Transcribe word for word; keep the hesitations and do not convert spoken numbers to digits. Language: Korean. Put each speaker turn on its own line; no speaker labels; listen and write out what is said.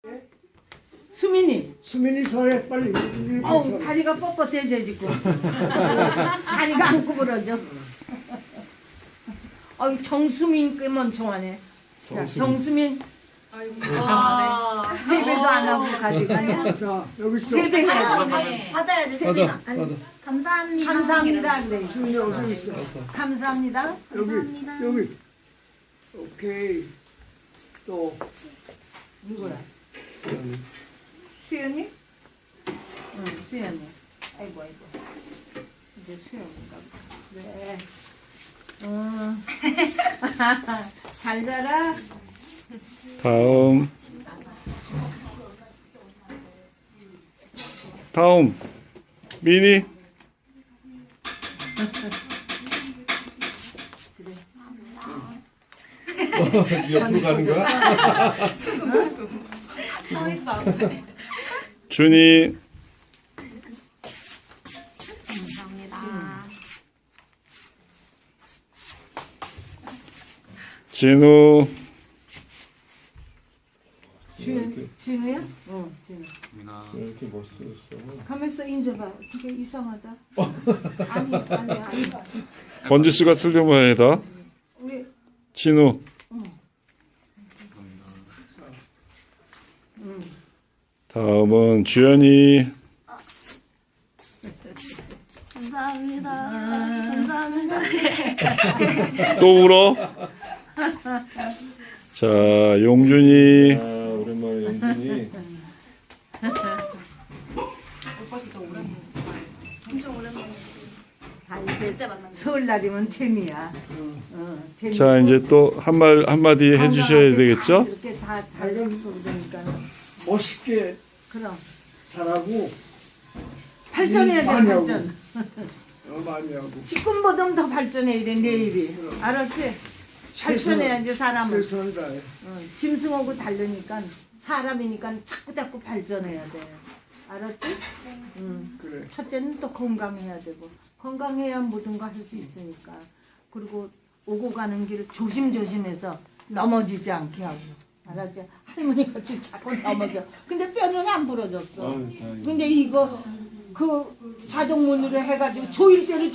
수민이.
수민이 서해 빨리.
어우, 다리가 뻣뻣해져 지금. 다리가 안 구부러져. 어이, 정수민 끄면 좋아하네. 자, 정수민.
와.
세배도 안 하고 가져가냐?
자 여기 있어.
세배 해야지.
받아야지. 받아야지. 세빈아. 감사합니다.
감사합니다. 네.
수민이 여기 있어.
감사합니다.
여기
감사합니다.
여기. 오케이. 또
누구라? 수연이? 응, 수연이. 아이고, 아이고. 이제 수연인가 보다. 그래. 응. 잘 자라.
다음 다음 미니
옆으로 가는 거야?
서 있어 앞에.
준이
감사합니다.
진우
준, 진우야? 응, 진우.
왜 이렇게 멋있어?
가면서 인줘봐. 되게 이상하다. 아니, 아니, 아니.
번지수가 틀린 모양이다.
우리,
진우
응. 응.
다음은 주연이
감사합니다. 감사합니다.
또 울어. 자 용준이
아 오랜만에 연준이.
오빠 진짜 오랜만에. 엄청 오랜만에.
아, 이제
그때 만난 거.
설날이면 재미야. 응, 재미.
자 이제 또 한 말 한마디 해주셔야 되겠죠?
이렇게 다 잘 되고 그러니까.
멋있게
그럼.
잘하고
발전해야 돼,
많이 하고.
발전.
어, 많이 하고.
지금보다 더 발전해야 돼, 내일이. 알았지? 발전해야지, 사람은.
최선을 다해.
응, 짐승하고 다르니까, 사람이니까 자꾸 자꾸 발전해야 돼. 알았지? 응.
그래.
첫째는 또 건강해야 되고, 건강해야 모든 거 할 수 있으니까. 그리고 오고 가는 길 조심조심해서 넘어지지 않게 하고. 알았지? 할머니 같이 자꾸 넘어져. 근데 뼈는 안 부러졌어.
아유, 다행이다.
근데 이거 그 자동문으로 해가지고 조일 때를